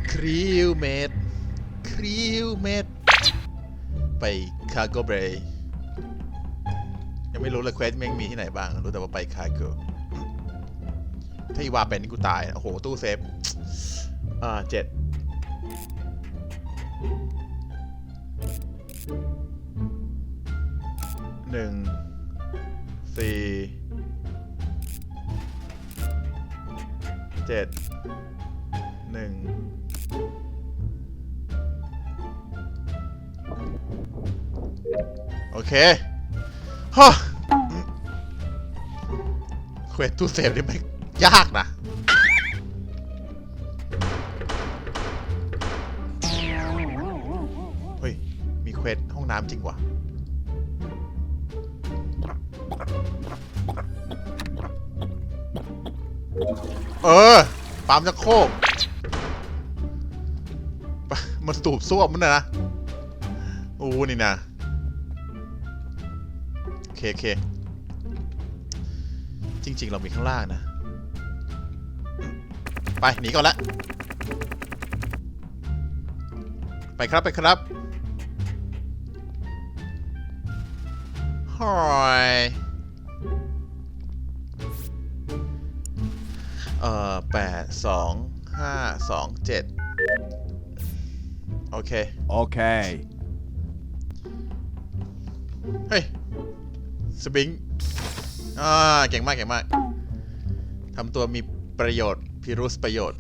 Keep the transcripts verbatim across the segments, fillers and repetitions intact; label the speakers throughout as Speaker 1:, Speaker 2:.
Speaker 1: คริวเมดคริวเมดไปคาร์โกเบย์ยังไม่รู้เลยเควสแม่งมีที่ไหนบ้างรู้แต่ว่าไปคาร์โกถ้าอีวาเป็นนี่กูตายโอ้โหตู้เซฟอ่าเจ็ดหนึ่งสี่เจ็ดหนึ่งโอเคฮะเควสตู้เซฟนี่ไม่ยากนะเฮ้ยมีเควสห้องน้ำจริงวะเออปั๊มจะโคกมันสูบซ่วมมันนะโอ้นี่นะโอเคโอเคจริงๆเรามีข้างล่างนะไปหนีก่อนละไปครับไปครับฮอยเอ่อแปดสองห้าสองเจ็ดโอเค
Speaker 2: โอเค
Speaker 1: เฮ้ยสปริงอ่าเก่งมากเก่งมากทำตัวมีประโยชน์พิรุษประโยชน์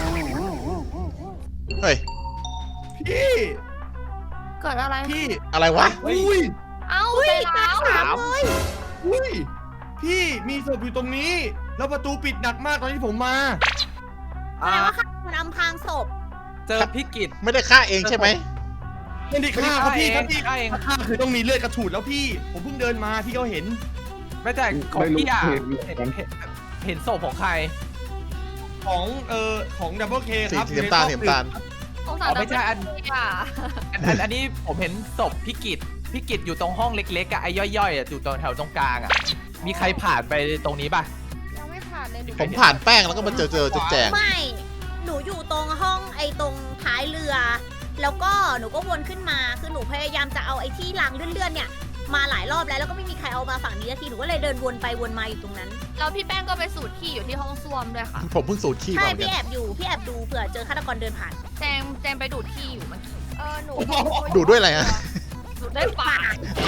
Speaker 1: เฮ้ย
Speaker 3: พี่
Speaker 4: เกิดอะไร
Speaker 3: พี่
Speaker 1: อะไรวะ
Speaker 3: อุ้ย
Speaker 4: เอ้าใจร้าวถามเลย
Speaker 3: อุ้ยพี่มีศพอยู่ตรงนี้แล้วประตูปิดหนักมากตอนที่ผมมา
Speaker 4: แปลว่าฆ่าคนอำพรางศพ
Speaker 5: เจอพิกิจ
Speaker 1: ไม่ได้ฆ่าเองใช่ไหม
Speaker 3: ไม่ได้ฆ่าครับพี่ครับพี่ฆ่าเองฆ่าคือต้องมีเลือดกระฉูดแล้วพี่ผมเพิ่งเดินมาพี่ก็เห็น
Speaker 5: ไม่แต่ของพี่อ่ะเห็นเห็นศพของใคร
Speaker 3: ของเอ่อของดับเบิลเคครับ
Speaker 1: สีน้ำตาลสีน้ำตาล
Speaker 4: สงสารไม่ใช่อัน
Speaker 5: อ่ะอันอันนี้ผมเห็นศพพิกิจพิกิจอยู่ตรงห้องเล็กๆอ่ะไอ้ย่อยๆอ่ะอยู่ตรงแถวตรงกลางอ่ะมีใครผ่านไปตรงนี้ป่ะ
Speaker 4: ยังไม่ผ่านเลย
Speaker 1: ผมผ่านแป้งแล้วก็มาเจอเจอจุดแจง
Speaker 4: ไม่หนูอยู่ตรงห้องไอ้ตรงท้ายเรือแล้วก็หนูก็วนขึ้นมาคือหนูพยายามจะเอาไอ้ที่รางเลื่อนๆเนี่ยมาหลายรอบแล้วแล้วก็ไม่มีใครเอามาฝั่งนี้ทีหนูก็เลยเดินวนไปวนมาอยู่ตรงนั้นแล้วพี่แป้งก็ไปสูดขี้อยู่ที่ห้องส้วมด้วยค่ะ
Speaker 1: ผมเพิ่งสูดขี้มา
Speaker 4: ใช่พี่แอบอยู่พี่แอบดูเผื่อเจอฆาตกรเดินผ่าน
Speaker 6: แจงแจงไปดูดขี้อยู่เมื่อกี้
Speaker 4: เออหนู
Speaker 1: ดูดด้วยอะไรฮะ
Speaker 6: ดูดด้วยปาก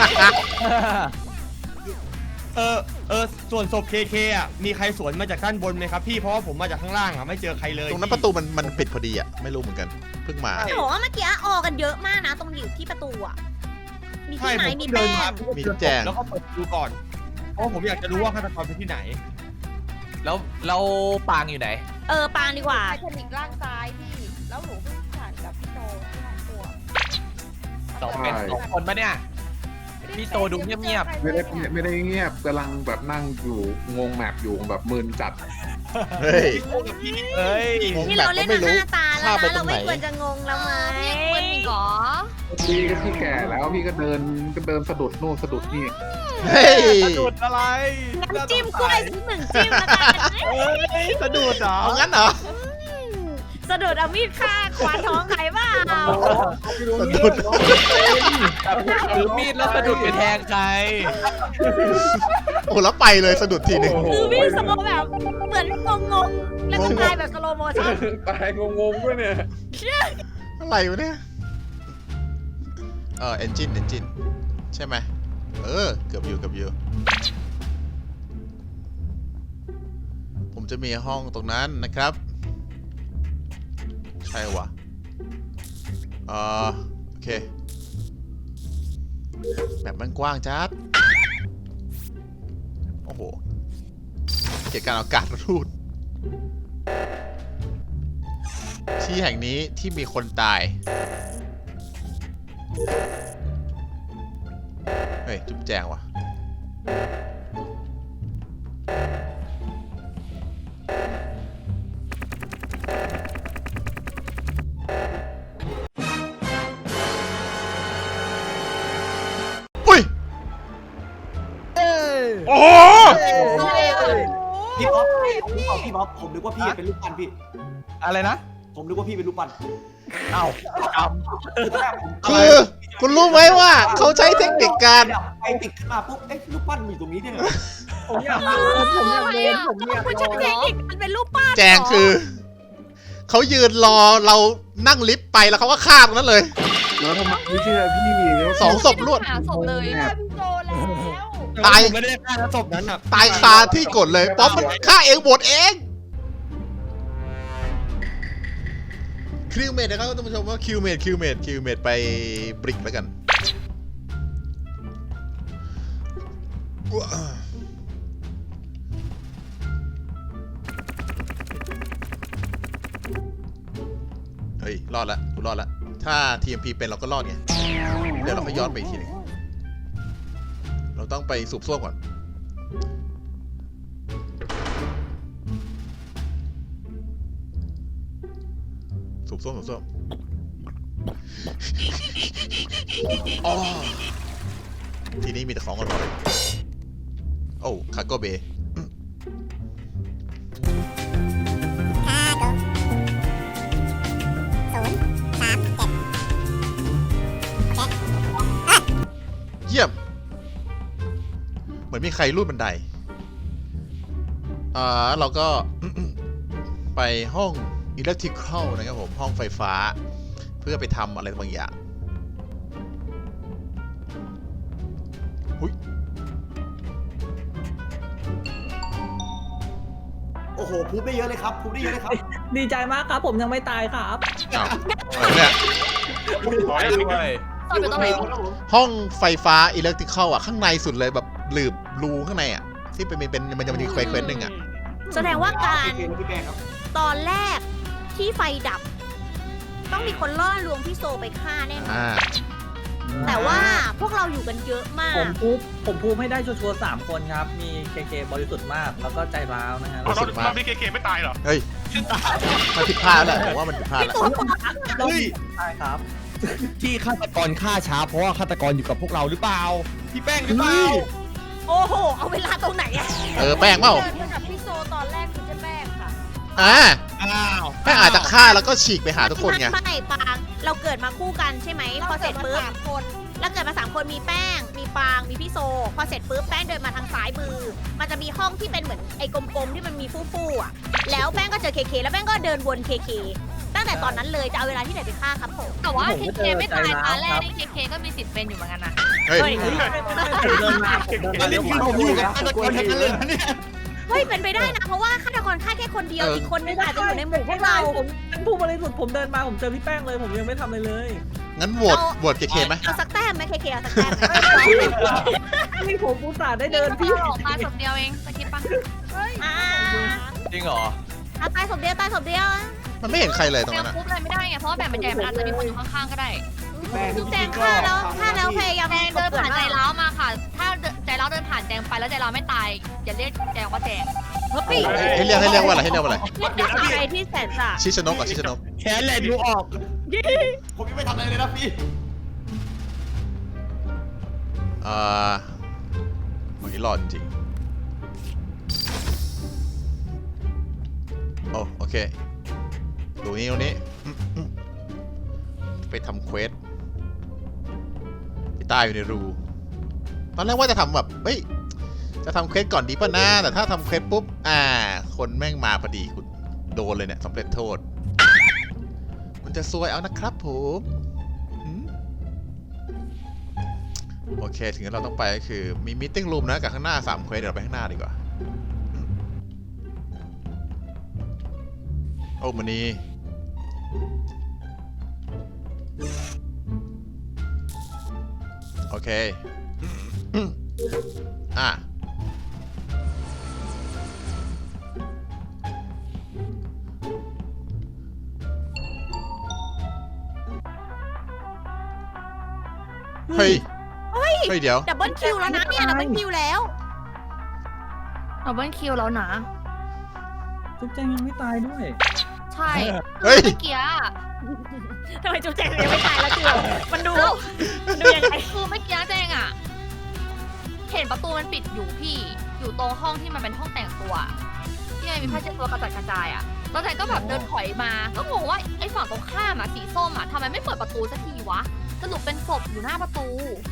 Speaker 3: เออเออส่วนศพเคเคอ่ะมีใครสวนมาจากด้านบนไหมครับพี่เพราะว่าผมมาจากข้างล่างอ่ะไม่เจอใครเลย
Speaker 1: ตรงนั้นประตูมันมันปิดพอดีอ่ะไม่รู้เหมือนกันเพิ่งมา
Speaker 4: แต่ว่าเมื่อกี้ออกันเยอะมากนะตรงอยู่ที่ประตูอ่ะมีที่ไหนมีแป้ง
Speaker 1: มีแจง
Speaker 3: แล้วก็เปิดดูก่อนเพราะผมอยากจะรู้ว่าฆาตกรเป็นที่ไหน
Speaker 5: แล้วเราปางอยู่ไหน
Speaker 4: เออปางดีกว่า
Speaker 6: ไททานิกล่างซ้ายพี่แล้วหนูเพิ่งผ่านกับพี่โตที่ห้องครัว
Speaker 5: สองเป็นสองคนปะเนี่ยพี่โตดูเงียบ
Speaker 2: ๆไม่ได้ไม่ได้เงียบกำลังแบบนั่งอยู่งงแมปอยู่แบบมึนจัด
Speaker 1: เฮ้ย
Speaker 5: เฮ้ย
Speaker 4: ที่เราเล่นมาห้าตาแล้วนะเราไม่ควรจะงงแล้วไหม
Speaker 6: มันมีก่อ
Speaker 2: พี่ก็พี่แก่แล้วพี่ก็เดินก็เดินสะดุดโน่นสะดุดนี่
Speaker 1: เฮ้ย
Speaker 5: สะดุดอะไร
Speaker 4: น้ำจิ้มกล้วยสักหนึ่งจิ้มแล้วกัน
Speaker 5: เฮ้ยสะดุดเหรอ
Speaker 1: งั้นเหรอ
Speaker 4: สะดุดเอามีดฆ่าควานท้องใครบ้า
Speaker 1: สะดุด
Speaker 5: ถือมีดแล้วสะดุดไปแทงใคร
Speaker 1: โอ้แล้วไปเลยสะดุดทีหนึ่ง
Speaker 4: คือมีดสโลแบบเหมือนงงๆแล้วก็ตายแบบสโลโมชั่น
Speaker 2: ตายงงๆด้วยเนี่ย
Speaker 1: อะไรวะเนี่ยเออเอนจินเอนจินใช่ไหมเออเกือบอยู่เกือบอยู่ผมจะมีห้องตรงนั้นนะครับใช่วะอ่าโอเคแบบมันกว้างจัดโอ้โหเกี่ยวกับอากาศรูดที่แห่งนี้ที่มีคนตายเฮ้ยจุ๊บแจงว่ะโอ้โห
Speaker 3: พี่บ๊อบพี่บ๊อบพี่บ๊อบผมนึกว่าพี่เป็นลูกปั้นพี่
Speaker 5: อะไรนะ
Speaker 7: ผมนึกว่าพี่เป็นรูปปั้น
Speaker 5: เอ้าเอา
Speaker 1: คือคุณรู้ไหมว่าเขาใช้เทคนิคการ
Speaker 7: ไฟติดขึ้นมาปุ๊บเอ๊ะรูปปั้นมีตรงนี้เนี่ย
Speaker 8: ผมอยากโดนผมอยากโดนผมอยาก
Speaker 4: มัน
Speaker 8: โด
Speaker 4: ใช่
Speaker 8: น
Speaker 4: เทคนิคมันเป็นรูปปั้น
Speaker 1: แจงคือเขายืนรอเรานั่งลิฟต์ไปแล้วเขาก็ฆ่าตรงนั้นเลย
Speaker 2: แล้วทำไมไม่เชื่อพี่แล้ว
Speaker 1: สองศพรวด
Speaker 6: หาศพเลย
Speaker 2: แมป
Speaker 6: พี่โจแล้ว
Speaker 1: ตาย
Speaker 3: ผมไม่ได้ฆ่าศพนั้นอ่ะ
Speaker 1: ตายคาที่กดเลยป๊อปมันฆ่าเองบทเองคิวเมดนะครับท่านผู้ชมว่าคิวเมดคิวเมดคิวเมดไปบริกแล้วกันเฮ้ยรอดละกูรอดละถ้า ที เอ็ม พี เป็นเราก็รอดไงเดี๋ยวเราก็ย้อนไปอีกทีหนึงเราต้องไปสูบส้วมก่อนสูบส้วมสูบส้วมอ๋อทีนี้มีแต่ของอร่อยโอ้คาโกเบเยี่ยมเหมือนมีใครรูดบันไดอ่าเราก็ ไปห้องอิเล็กทริคอลนะครับผมห้องไฟฟ้าเพื่อไปทำอะไรบางอย่างหุย
Speaker 7: โอ้โหพูดได้เยอะเลยครับพูดได้เยอะเลยครับ
Speaker 8: ดีใจมากครับผมยังไม่ตายครับ
Speaker 1: อ้าวอะไรเนี่ย
Speaker 5: ขอให้ด้วย
Speaker 6: ตอนอยู่ตรงไหน
Speaker 1: ห้องไฟฟ้าอิเล็กทริคอลอ่ะข้างในสุดเลยแบบหลืบรูข้างในอ่ะที่เป็นเป็นมันจะมีเควสเควสหนึ่งอ่ะ
Speaker 4: แสดงว่าการ
Speaker 7: พี่แป้งครับ
Speaker 4: ตอนแรกที่ไฟดับ ต้องมีคนล่อลวงพี่โซไปฆ่าแน่นอน
Speaker 1: อ่า
Speaker 4: แต่ว่าพวกเราอยู่กันเยอะมาก
Speaker 8: ผมพูดผมพูดให้ได้ชัวร์ๆสามคนครับ มีเคเคบริสุทธิ์มาก แล้วก็ใจร้าวนะฮะ
Speaker 1: รู้สึกมาก
Speaker 9: รอบนี้เคเคไม่ตายเหรอ
Speaker 1: เฮ้ยมันผิดพลาดแล้วแหละผมว่ามันผิดพลาด
Speaker 4: พี่
Speaker 1: แล้ว
Speaker 4: ตัว
Speaker 8: รอบนี้ใช่ครับ
Speaker 3: ที่ฆาตกรฆ่าช้าเพราะว่าฆาตกรอยู่กับพวกเราหรือเปล่าพี่แป้งหรือเปล่า
Speaker 4: โอ้โห เอาเวลาตรงไหนอะ
Speaker 1: เออแป้งเปล่า
Speaker 6: เดินกับพี่โซตอนแรกคือเจะแป้งค่ะ
Speaker 1: อ่า
Speaker 3: อ้าว
Speaker 1: แป้งอาจจะฆ่าแล้วก็ฉีกไปหาทุกคนไง
Speaker 4: ไม่ปาง เราเกิดมาคู่กันใช่ไหม พอเสร็จปุ๊บ
Speaker 6: สามคน
Speaker 4: แล้วเกิดมาสามคนมีแป้ง มีปาง มีพี่โซ พอเสร็จปุ๊บแป้งเดินมาทางซ้ายมือ มันจะมีห้องที่เป็นเหมือนไอ้กลมๆที่มันมีฟู่ๆอ่ะ แล้วแป้งก็เจอเคเคแล้วแป้งก็เดินวนเคเคตั้งแต่ตอนนั้นเลยจะเอาเวลาที่ไหนไปฆ่าครับผม
Speaker 6: แต่ว่า
Speaker 8: ผม
Speaker 6: เค
Speaker 8: ก็
Speaker 6: เค
Speaker 8: เจอ
Speaker 6: ไม่ตาย
Speaker 8: ใจร้าว
Speaker 6: ตาแร
Speaker 8: ครั
Speaker 6: ก
Speaker 8: บ
Speaker 6: นี่เคเคก็มีสิทธิ์เป็นอยู่เหมือนกันนะ
Speaker 1: เฮ้ย
Speaker 8: ผมเดินมาผมเดิน
Speaker 3: อั
Speaker 8: มาน เร็
Speaker 3: นี้
Speaker 8: ว
Speaker 3: คือผมอยู่กับฆาตกรทั้งนั้นเลยนะเนี่ย
Speaker 4: เฮ้ยเป็นไปได้นะ เพราะว่าฆาตกรฆ่าแค่คนเดียว
Speaker 1: เอออี
Speaker 4: อีกคนนึงอาจจะอยู่ในหมู่พวกเรา
Speaker 8: ผมเป็นผู้บริสุทธิ์ผมเดินมาผมเจอพี่แป้งเลย ผมยังไม่ทำอะไรเลย
Speaker 1: งั้นโหวตโหวตเคเคไหม
Speaker 4: เอาสักแต้มไหมเคเคเอาสักแต้มไหม
Speaker 8: นี่ผมอุตส่าห์ได้เดินพี่
Speaker 6: ออกมาศพเดียวเองสกิปปะ
Speaker 4: อ่า
Speaker 5: จริงเหรอ
Speaker 4: เอาตายศพเดียวตายศพเดียว
Speaker 1: มันไม่เห็นใครเลยตรง
Speaker 6: ยั
Speaker 1: นั้
Speaker 6: ง
Speaker 1: นอะ
Speaker 6: คุบอะไรไม่ได้ไงเพราะว่าแบบมันใหญ่มันอาจจะมีคนอยู่ข้างๆก็ได้
Speaker 7: แป้ง
Speaker 4: แจงฆ่าแล้วฆ่าแล้วพยายาม
Speaker 6: แจงเดินผ่านใจ
Speaker 4: แล้ว
Speaker 6: ร้าวมาค่ะ ถ้าใจร้าวเดินผ่านแจงไปแล้วใจร้าวไม่ตายอย่าเรียกแจงว่าแจง
Speaker 4: เฮ้ย
Speaker 1: ให้เรียกให้เรียกว่าอะไรให้เรียกว่าอะไร
Speaker 4: เรียกจากอะไรที่แสนสา
Speaker 1: ชิชนกอ่ะชิชนก
Speaker 3: แขนแหลดูออก
Speaker 7: ผมยังไม่ทำอะไรเลยนะพี่
Speaker 1: อ่าวันนี้รอดจริงโอ้โอเคดูนี่ตรงนี้อืมอืมไปทำเควสที่ใต้อยู่ในรู ตอนแรกว่าจะทำแบบเฮ้ยจะทำเควสก่อนดีป่ะนะแต่ถ้าทำเควสปุ๊บอ่า คนแม่งมาพอดีคุณโดนเลยเนี่ยสำเร็จโทษ มันจะซวยเอานะครับผมหืมโอเคถึงนั้นเราต้องไปก็คือมีมิทติ้งรูมนะกับข้างหน้าสามเควสเดี๋ยวเราไปข้างหน้าดีกว่าโอ้มันนี้โอเคอ่ะเฮ้ย เฮ้ย เฮ้ย เดี๋ยว
Speaker 4: ดับเบิลคิวแล้วนะเนี่ยดับเบิลคิวแล้ว
Speaker 6: ดับเบิลคิวแล้วนะ
Speaker 8: จุ๊บแจงยังไม่ตายด้วย
Speaker 6: ใช่
Speaker 1: เฮ้ย
Speaker 6: เมื่อกี้อะ
Speaker 4: ทำไมจุ๊บแจงยังไม่ตายแล้วเจือมันดูมันดูยังไง
Speaker 6: คือเมื่อกี้แจงอะเห็นประตูมันปิดอยู่พี่ อยู่ตรงห้องที่มันเป็นห้องแต่งตัว ที่มันมีผ้าเช็ดตัวกระจัดกระจายอะแล้วแจงก็แบบเดินถอยมา ก็งงว่าไอ้ฝั่งตรงข้ามอะสีส้มอะทำไมไม่เปิดประตูสักทีวะ สรุปเป็นศพอยู่หน้าประตู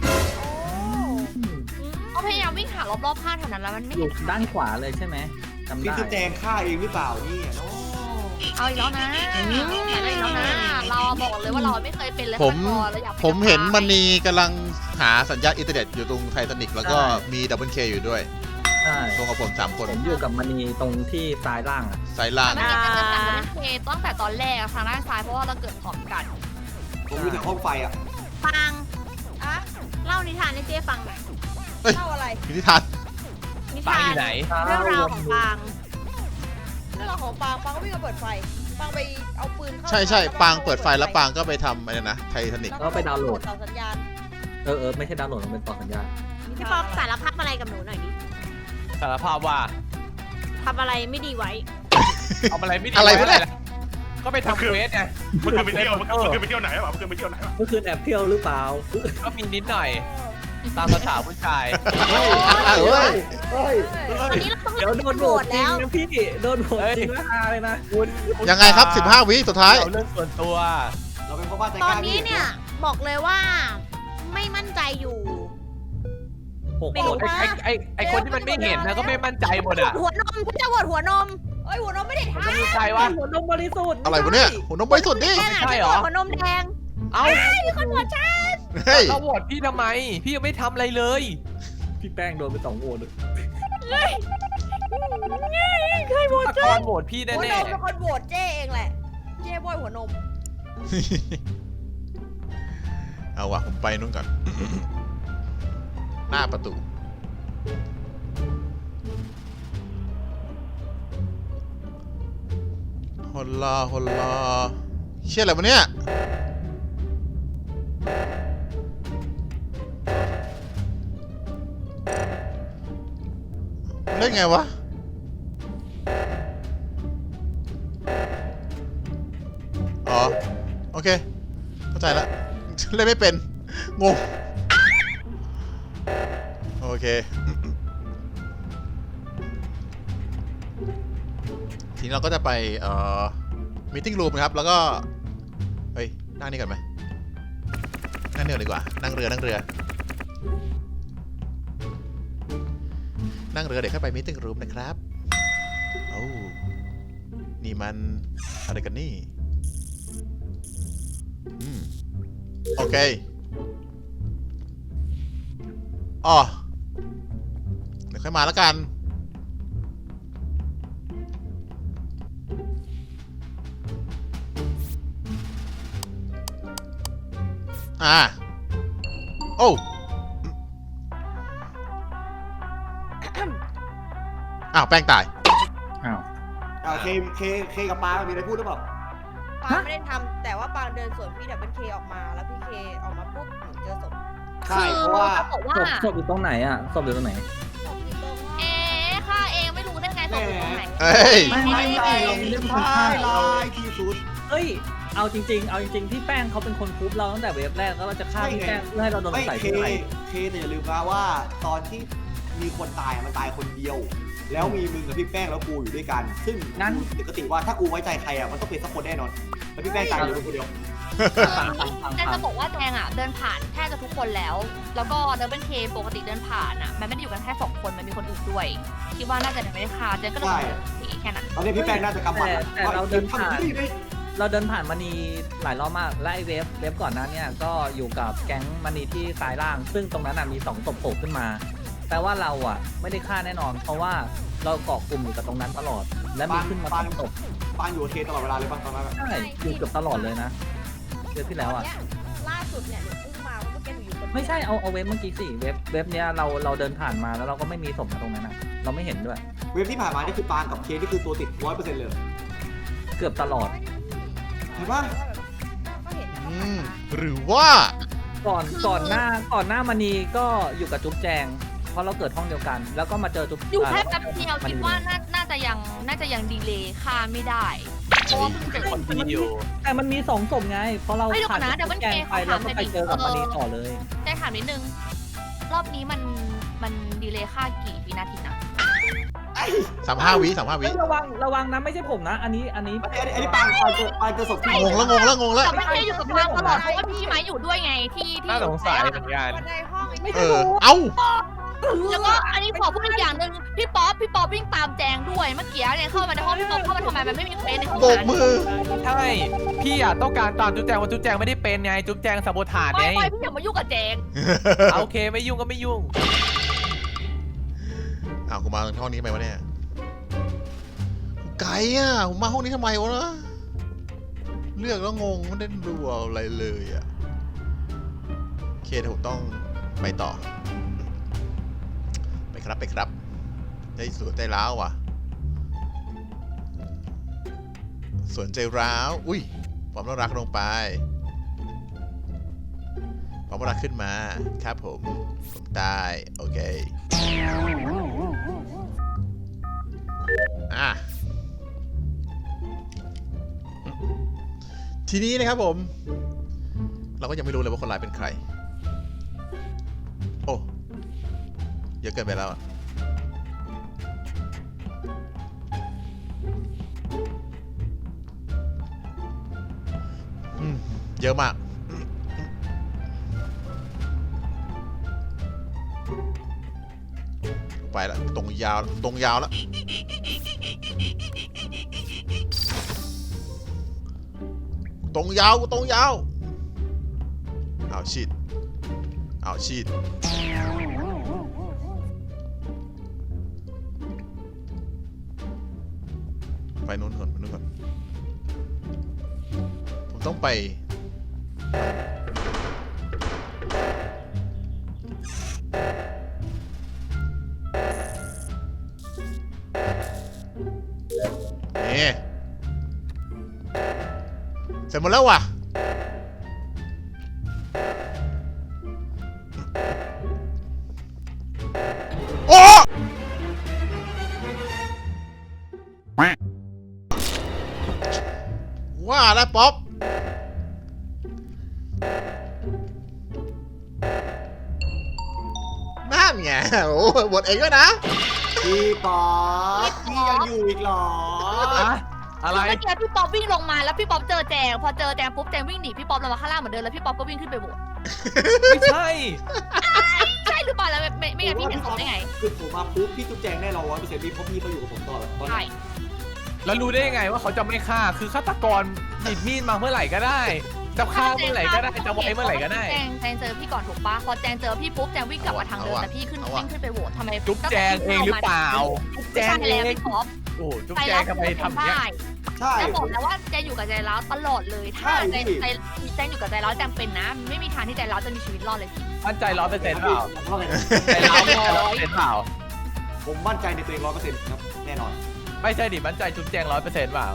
Speaker 6: ก็พยายามวิ่งหารอบๆข้างแถวนั้นแล้วมันไม่
Speaker 8: อ
Speaker 6: เห็
Speaker 8: ยู่
Speaker 6: น
Speaker 8: ด้านขวาเลยใช่ไหมจำ
Speaker 7: นี่
Speaker 8: ได้
Speaker 7: คือแจงฆ่าเองหรือเปล่าเนี่ยเนาะ
Speaker 6: เอาอีกแล้วนะแต่ได้อีกแล้วนะ เราบอกเลยว่าเราไม่เคยเป็นเลย
Speaker 1: ผม
Speaker 6: พอเราอยากเป็น
Speaker 1: ผมเห็น
Speaker 6: นัก
Speaker 1: ม
Speaker 6: พากย์
Speaker 1: ณีกำลังหาสัญญาณอินเทอร์เน็ตอยู่ตรงไททานิกแล้วก็มีดับเบิลเคอยู่ด้วย
Speaker 8: ใช่
Speaker 1: ตรงกับผมสามคน
Speaker 8: ผมอยู่กับมณีตรงที่ซ้ายล่างอะ
Speaker 1: สายล่าง
Speaker 6: มันจะเป็นการเป็นเคตั้งแต่ตอนแรกอะทางด้านซ้ายเพราะว่าเราเกิดพร้อมกัน
Speaker 7: ผมอยู่ในห้องไฟอ่ะ
Speaker 4: ฟัง
Speaker 9: อะ
Speaker 4: เล่านิทานให้เจ๊ฟังหน่อย
Speaker 9: เล่าอะไร
Speaker 1: พิธีทาน
Speaker 4: นิ
Speaker 5: ปา
Speaker 4: ทาง
Speaker 5: อน ยู่ไหน
Speaker 4: เรื่องราวของฟาง
Speaker 9: เรื่องราวของปางปางก็วิ่งมาเปิดไฟปางไปเอาปืนเข้า
Speaker 1: ใช่ใช่
Speaker 9: แล้ว
Speaker 1: ปางเปิดไฟแล้วปางก็ไปทำอะไรนะไททานิก
Speaker 8: แล้วก็ไปดาวน์โหลด
Speaker 9: ต่อสัญญาณ
Speaker 8: เออเออไม่ใช่ดาวน์โหลดมันเป็นต่อสัญญาณ
Speaker 4: พี่ป๊อกสารภาพอะไรกับหนูหน่อยดิ
Speaker 5: สารภาพว่า
Speaker 4: ทำอะไรไม่ดีไว้
Speaker 5: เอาอะไรไม่ดี
Speaker 1: อะไรวะเนี่ย
Speaker 5: ก็ไปทำเควสไง
Speaker 10: มันคือไปเที่ยวมันคือมันคือไปเที่ยวไหนวะมันคือไปเที่ยวไหนวะ
Speaker 8: เมื่อคืนแอบเที่ยวหรือเปล่า
Speaker 5: ก็มีนิดหน่อย ตามภาษาผู้ชาย
Speaker 1: เฮ้ย
Speaker 8: เฮ้ย
Speaker 4: ตอนนี้เราต้อง
Speaker 8: เดี๋ยวโดนโหวตจริ
Speaker 4: แล้
Speaker 8: ง
Speaker 4: ว
Speaker 8: นะพี่โดนโหวตจริงนะฮาเลยนะ
Speaker 5: คุณ
Speaker 1: ยังไงครับสิบห้าวิสุดท้าย
Speaker 5: เอาเรื่องส่วนตัว
Speaker 7: เราเป็นพ่อบ้านใจ
Speaker 4: ต
Speaker 7: ก
Speaker 4: อน
Speaker 7: ล้า
Speaker 4: นี้เนี่ยบอกเลยว่าไม่มั่นใจอยู่
Speaker 8: หก
Speaker 4: ไม่
Speaker 8: ค
Speaker 4: รู้
Speaker 8: น
Speaker 5: ไอ้ไอ้ไอ้ไอ้คนที่มันไม่เห็นนะก็ไม่มั่นใจหมดอ่ะ
Speaker 4: หัวนมคุณจะโหวตหัวนม
Speaker 9: เอ้ยหัวนมไม่ได้
Speaker 5: มัน
Speaker 9: ทำ
Speaker 5: ก็มีใจวะ
Speaker 8: หัวนมบริสุทธิ์
Speaker 1: อะไรวะเนี่ยหัวนมบริสุทธิ์ดิ
Speaker 4: แดงอ่ะ
Speaker 5: ใช่
Speaker 4: ฉัน
Speaker 5: เหรอ
Speaker 4: โหวตหัวนมแดง
Speaker 5: เอ้า
Speaker 4: มีคนโหวตฉัน
Speaker 1: เฮ้ย
Speaker 5: เราโหวตพี่ทำไม พี่ยังไม่ทำอะไรเลย
Speaker 8: พี่แป้งโดนไปสองโหวตเลย
Speaker 4: เคยโหวต
Speaker 5: ตะกอนโหวตพี่
Speaker 9: หัวน
Speaker 5: แน่
Speaker 9: มเป็นคนโหวตเจ้เองแหละ เจ้บอยหัวนม
Speaker 1: เอาวะผมไปนู่นก่อน หน้าประตูฮอลลาฮอลลาเชี่ยอะไรวะเนี่ยเล่นไงวะ อ๋อ โอเค เข้าใจแล้ว เล่นไม่เป็น งง โอเค ทีนี้เราก็จะไปเอ่อมีติ้งรูมนะครับ แล้วก็ เฮ้ย นั่งนี่ก่อนไหมนั่งเรือดีกว่า นั่งเรือ นั่งเรือ นั่งเรือเดี๋ยวเข้าไปมีติ้งรูมนะครับโอ้นี่มันอะไรกันนี่ อืม โอเค อ๋อ เดี๋ยวค่อยมาแล้วกัน อ่า โอ้ อ้าว แป้งตาย
Speaker 8: อ้าว
Speaker 7: อ่าเคเคเคกับปางมีอะไรพูดหรือเปล่า
Speaker 9: ปางไม่ได้ทำแต่ว่าปางเดินสวนพี่ดับเบิลเคออกมาแล้วพี่เคออกมาปุ๊บหนูเจอศพ
Speaker 7: ใช่เพราะว่า
Speaker 6: เขาบอกว่า
Speaker 8: ศพศพอยู่ตรงไหนอ่ะศพอยู่ตรงไหน
Speaker 9: ศพอยู่ตรงห้อง
Speaker 6: เอ๊ะข้าเองไม่รู้ได้ไงตกอยู่ตรงไหน
Speaker 1: เอ้ย
Speaker 8: ไม่ไม่ไม่เราไม่ได้เป็นคนฆ่า
Speaker 7: ลายที่สุด
Speaker 8: เฮ้ย เอาจริง ๆ เอาจริงๆพี่แป้งเขาเป็นคนคุบเราตั้งแต่เวฟแรกแล้วเราจะฆ่าพี่แป้งเพื่อให้เราโดน
Speaker 7: ไม่
Speaker 8: ใส่
Speaker 7: เค
Speaker 8: ที่ไหน
Speaker 7: เคเนี่ยอย่าลืมนะว่าตอนที่มีคนตายอะมันตายคนเดียว แล้วมีมึงกับพี่แป้งแล้วกูอยู่ด้วยกัน ซึ่ง
Speaker 8: งั้น
Speaker 7: ปกติว่าถ้ากูไว้ใจใครอ่ะมันต้องเป็นสักคนแน่นอนแล้วพี่แป้งตายอยู่คนเดียว
Speaker 8: ฟังฟังฟัง
Speaker 6: แจง
Speaker 8: ฟั
Speaker 6: จะ
Speaker 8: ง
Speaker 6: บอกว่าแจงอ่ะเดินผ่านแทบจะทุกคนแล้ว แล้วก็เดินเป็นเคปกติเดินผ่านอ่ะมันไม่ได้อยู่กันแค่สองคนมันมีคนอื่นด้วยคิดว่าน่าจะยังไม่ได้ฆ่าแจงก็เลยเดินหนีแค่นั้น
Speaker 7: ตอนนี้พี่แป้งน่าจะกำหมัด
Speaker 8: แต่แต่เราเดินผ่าน
Speaker 7: ทำที่ได้
Speaker 8: เราเดินผ่านมณีหลายรอบมากและไอเวฟเวฟก่อนหน้าเนี่ยก็อยู่กับแก๊งมณีที่ซ้ายล่าง ซึ่งตรงนั้นน่ะมีสองศพโผล่ขึ้นมาแปลว่าเราอ่ะไม่ได้ฆ่าแน่นอน เพราะว่าเราเกาะกลุ่มอยู่กับตรงนั้นตลอด และมีขึ้นมาสองศพ
Speaker 7: ปางอยู่กับเคตลอดเวลาเลยป่ะตอนนั้นอะ
Speaker 8: ใช่อยู่เกือบตลอดเลยนะเวฟที่แล้วอ่ะ
Speaker 9: เนี่ยล่าสุดเนี่ยหนูพุ่งมาเมื่อกี้หนูอยู่คนเดียว
Speaker 8: ไม่ใช่เอาเอาเวฟเมื่อกี้สิเวฟเวฟเนี้ยเราเราเดินผ่านมาแล้วเราก็ไม่มีศพนะตรงนั้นนะเราไม่เห็นด้วย
Speaker 7: เว็บที่ผ่านมานี่คือปางกับเคนี่คือตัวติดร้อยเปอร์เซ็นต์เลย
Speaker 8: เกือบตลอด
Speaker 7: เห็นปะ
Speaker 9: ก็เห็น
Speaker 1: อืม หรือว่า
Speaker 8: ก่อนก่อนหน้าก่อนหน้ามณีก็อยู่กับจุ๊บแจง เพราะเราเกิดห้องเดียวกัน แล้วก็มาเจอจุ๊บ
Speaker 6: อยู่แค่
Speaker 8: า
Speaker 6: แป๊บเดียวคิดว่าน่าน่าจะยังน่าจะยังดีเลย์ฆ่าไม่ได้เพราะว่าเพิ่งเจอ
Speaker 5: คนดีอยู่
Speaker 8: แต่มันมีสองศพไง เพราะเรา
Speaker 6: เฮ้ยเดี๋ยวก่
Speaker 8: ผ่า
Speaker 6: อน นนะเดี๋ยวมัน
Speaker 8: จุ๊บแจงไป
Speaker 6: เกย์
Speaker 8: แล้วก็
Speaker 6: เขาถาม
Speaker 8: ไปเจอกับ
Speaker 6: หน่
Speaker 8: ม
Speaker 6: อยดิ
Speaker 8: ณีต่อเลย
Speaker 6: แจงถามนิดนึง รอบนี้มันมันดีเลย์ฆ่ากี่วินาทีนะ
Speaker 1: สามห้าวิสามห้าวิ
Speaker 8: ระวังระวังนะไม่ใช่ผมนะ อันนี้อันนี้
Speaker 7: อันนี้อันนี้ปางปางเจอปางเจอศพที่
Speaker 1: งงแล้วงงแล้วงงแล้ว
Speaker 6: แต่ไม่เคยอยู่กับปางตลอดเพราะว่าพี่ไม้อยู่ด้วยไงที่ที่
Speaker 5: น่าสงสัยเหมือนกัน
Speaker 9: บันไดห้องไอ้
Speaker 8: ไม่
Speaker 1: เอ
Speaker 8: ใช่
Speaker 1: อ
Speaker 8: ผม
Speaker 1: เอ้า
Speaker 6: แล้วก็อันนี้ขอพูดอีกอย่างหนึ่งพี่ป๊อปพี่ป๊อปวิ่งตามแจงด้วยเมื่อกี้เนี่ยเข้ามาในห้องพี่ป๊อปเข้ามาทำไมมันไม่มีเควสในห้อง
Speaker 1: โบก
Speaker 6: นั้น
Speaker 1: มือ
Speaker 5: ใช่พี่อ่ะต้องการตามจุ๊บแจงว่าจุ๊บแจงไม่ได้เป็นไงจุ๊บแจงสับถาด
Speaker 6: ไม่
Speaker 5: ไง
Speaker 6: ไม่พี่อย่ามายุ่งกับแจง
Speaker 5: โอเคไม่ยุ่งก็ไม่ยุ่ง
Speaker 1: อ้าวกูมาห้องนี้ทำไมวะเนี่ยไกลอ่ะผมมาห้องนี้ทำไมวะนะเลือกแล้วงงไม่ได้ดูอะไรเลยอ่ะโอเคเดี๋ยวผมต้องไปต่อ ไปครับไปครับได้สวนใจร้าวว่ะสวนใจร้าวอุ้ยความน่ารักลงไปความน่ารักขึ้นมาครับผมผมตายโอเคอ่ะทีนี้นะครับผม เราก็ยังไม่รู้เลยว่าคนร้ายเป็นใครโอ้เยอะเกินไปแล้วอะอืมเยอะมากไปแล้วตรงยาวตรงยาวแล้วตรงยาวตรงยาวเอาชีดเอาชีดไปนู้นก่อนไปนู้นก่อนผมต้องไปนี่เสร็จหมดแล้วว่ะโอ้ว่าแล้วป๊อปนั่นไงโอ้บทเองด้วยนะ
Speaker 7: พี่ป๊อปพี่ยังอยู่อีกเหรอ
Speaker 5: อะอะไร
Speaker 6: เมื่อกี้พี่ป๊อปวิ่งลงมาแล้วพี่ป๊อปเจอแจงพอเจอแจงปุ๊บแจงวิ่งหนีพี่ป๊อปลงมาข้างล่างเหมือนเดิมแล้วพี่ป๊อปก็วิ่งขึ้นไปโหวต
Speaker 5: ไม่ใช่
Speaker 6: ใช่หรือเปล่าแล้วไม่ไม่งั้นพี่เห็นศพได้ไง
Speaker 7: คือผมมาปุ๊บพี่จุ๊บแจงแน่นอนร้อยเปอร์เซ็นต์พี่เพราะพี่เขาอยู่กับผมตลอดตอน
Speaker 6: ใช่
Speaker 5: แล้วรู้ได้ยังไงว่าเขาจะไม่ฆ่าคือฆาตกรหยิบมีดมาเมื่อไหร่ก็ได้จะฆ่าเมื่อไหร่ก็ได้จะไว้เมื่อไหร่ก็ได้
Speaker 6: แจงแจงเจอพี่ก่อนถูกปะพอแจงเจอพี่ปุ๊บแจงวิ่งกลับมาทางเดิมแต่พี่ขึ้นวิ่งขึ้นไปโหวตทำไม
Speaker 5: จุ๊บแจงเองหรือเปล่าจุ๊บแจ
Speaker 6: ใช่
Speaker 5: งเอ
Speaker 6: แล้ว
Speaker 5: ง
Speaker 6: พี่ป๊อป
Speaker 5: โอ้จุ๊บแจงทำไมทำอย่างเนี้ย
Speaker 7: ใช่
Speaker 6: แล้วบอกแล้วว่าแจงอยู่กับใจร้าวตลอดเลยถ้าใจใจแจงอยู่กับใจร้าวแจงเป็นนะ ไม่มีทางที่ใจร้าวจะมีชีวิตรอดเลยพี่
Speaker 5: มั่นใจร้อยเปอร์เซ็นต์เปล่า
Speaker 7: ว่าไง
Speaker 5: ใจร้าวร้อยเปอร์เซ็นต์เปล่า
Speaker 7: ผมมั่นใจในตัวเองร้อยเปอร์เซ็นต์ครับแน่นอน
Speaker 5: ไม่ใช่ดิมั่นใจจุ๊บแจงร้อยเปอร์เซ็นต์เปล่า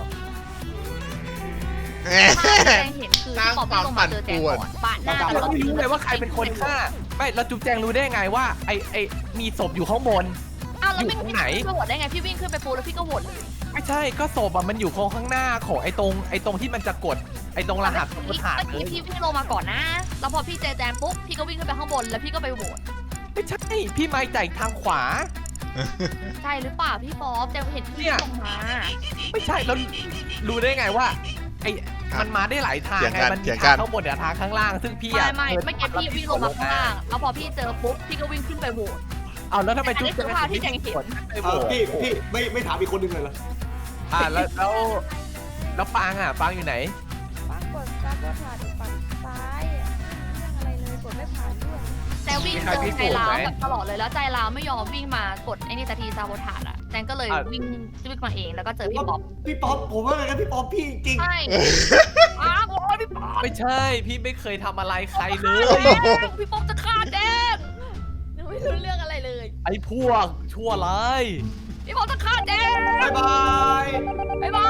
Speaker 6: ถ้าแจงเห็นคือพี่ป๊อปวิ่งลงมาเจอแจงก่อนปาดหน้า
Speaker 5: เราไม่รู้เลยว่าใครเป็นคนฆ่าไม่แล้วจุ๊บแจงรู้ได้ไงว่าไอไอมีศพอยู่ข้างบน
Speaker 6: อ้าวแล้วไม่
Speaker 5: อยู่ตรงไหน
Speaker 6: พี่โหวตได้ไงพี่วิ่งขึ้นไปปูแล้วพี่ก็โหวตเลย
Speaker 5: ไม่ใช่ก็ศพอะมันอยู่โค้งข้างหน้าของไอ้ตรงไอ้ตรงที่มันจะกดไอ้ตรงรหัสกดฐาน
Speaker 6: เมื่อ
Speaker 5: เล
Speaker 6: กี้
Speaker 5: ย
Speaker 6: พี่วิ่งลงมาก่อนนะ แล้วพอพี่เจอแจมปุ๊บพี่ก็วิ่งขึ้นไปข้างบนแล้วพี่ก็ไปโหวต
Speaker 5: ไม่ใช่พี่ไม้จ่ายทางขวา
Speaker 6: ใช่หรือเปล่าพี่ป๊อปแจมเห็นพี่ลงมา
Speaker 5: ไม่ใช่แล้วรู้ได้ไงว่าไอ้มันมาได้หลายทาง
Speaker 1: เถียง
Speaker 5: ไง
Speaker 1: กัน
Speaker 5: มัน
Speaker 1: เถี
Speaker 5: มี
Speaker 1: ยงกั
Speaker 5: ทาน งข้างบนกับทางข้างล่าง ซึ่งพี่
Speaker 6: ไม่
Speaker 5: อะ
Speaker 6: ไม่เมื่อกี้พี่วิ่งลงมาข้างล่างแล้วพอพี่เจอปุ๊บพี่ก็วิ่งขึ้นไปโหวต
Speaker 5: เอาแล้วทำไม
Speaker 6: อัน
Speaker 5: จุ๊
Speaker 6: นี้
Speaker 5: บ
Speaker 6: คือภาพที่แจงเห็น
Speaker 5: ไปโห
Speaker 7: เอ
Speaker 5: ว
Speaker 7: อ
Speaker 5: ต
Speaker 7: พี่พี่ไม่ไม่ถามอีกคนหนึ่งเลยเหรอ
Speaker 5: อ่าแล้วแล้วแล้วปางอ่ะปางอยู่ไหน
Speaker 9: ปังกดซับว่าผ่านฝั่งซ้ายอะเรื่องอะไรเลยกดไม่ผ่านด้วย
Speaker 6: แจงวิ่งเจอใจร้าวแบบตลอดเลยแล้วใจร้าวไม่ยอมวิ่งมากดไอ้นี่สักทีซาโบทาดอะแจงก็เลยวิ่งวิ่งมาเองแล้วก็เจอพี่ป๊อป
Speaker 7: พี่ป๊อปผมว่าไงนะพี่ป๊อปพี่จริง
Speaker 6: ใช่อ้าวโอ้ยพี่ป๊อป
Speaker 5: ไม่ใช่พี่ไม่เคยทำอะไรใครเลย
Speaker 6: พี่ป๊อปจะฆ่าแจงหนูไม่รู้เรื่องอะไรเลย
Speaker 5: ไอ้พวกชั่วร้าย
Speaker 6: พี่ป๊อปจะฆ่าแจง
Speaker 7: บ๊ายบาย
Speaker 6: บ๊ายบาย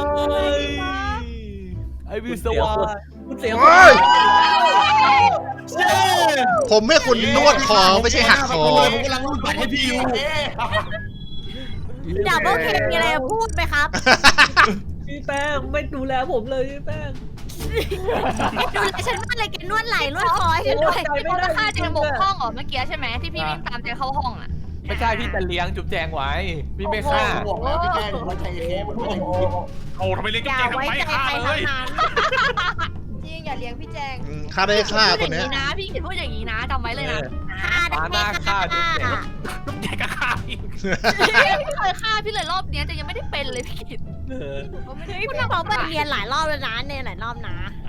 Speaker 5: ไอ้วิศวะ
Speaker 8: คุณเสียง
Speaker 1: เฮ้ย ผมให้คุณนวดคอไม่ใช่หักคอ
Speaker 3: ผมกำลังรูดบัตรให้พี่อยู่
Speaker 4: ดับเบิลเคมีอะไรจะพูดไหมครับ
Speaker 8: พี่แป้งไม่ดูแลผมเลยพี่แป้ง
Speaker 4: ดูแลฉันมากเลยแกนวดไหล่นวดคอให้ฉันด้วย
Speaker 6: พี่ป๊อปจะฆ่าแจงบกห้องเหรอเมื่อกี้ใช่ไหมที่พี่วิ่งตามแจงเข้าห้องอ่ะ
Speaker 5: ไม่ใช่พี่จะเลี้ยงจุ๊บแจงไว้พี่ไม่ฆ่า
Speaker 7: บอกแล้วพี่แกล้งไว้ใจเคหมดไว้ใจกูคิด
Speaker 10: โอ้ทำไมเลี้ยง
Speaker 4: อ
Speaker 10: จุ๊บ
Speaker 4: ย่า
Speaker 10: แจงทำ
Speaker 4: ไว้
Speaker 10: ไม
Speaker 4: ใจ
Speaker 10: ฆ่า
Speaker 4: ใคร
Speaker 10: เล
Speaker 4: ทั้
Speaker 10: ย
Speaker 4: งนั้น
Speaker 9: จริงอย่าเลี้ยงพี่แจง
Speaker 1: อืมฆ่าได้ฆ่า
Speaker 6: พูด
Speaker 1: ค
Speaker 6: อน ย่าง
Speaker 1: เนี้ย
Speaker 6: นี้นะพี่กิตพูดอย่างนี้นะจำไว้เลยนะ
Speaker 4: ฆ่าได้
Speaker 5: หน้าฆ่าจุ๊บแจง
Speaker 10: จุ๊บแจงก็ฆ่าอีก
Speaker 6: พี่เคยฆ่าพี่เลยรอบเนี้ยแต่ยังไม่ได้เป็นเลยพี่กิต
Speaker 8: เออ
Speaker 9: ก็ไม่ได้
Speaker 4: พี่พร้อมมันเรียนหลายรอบแล้วนะเนี่ยหลายรอบนะ
Speaker 6: เอ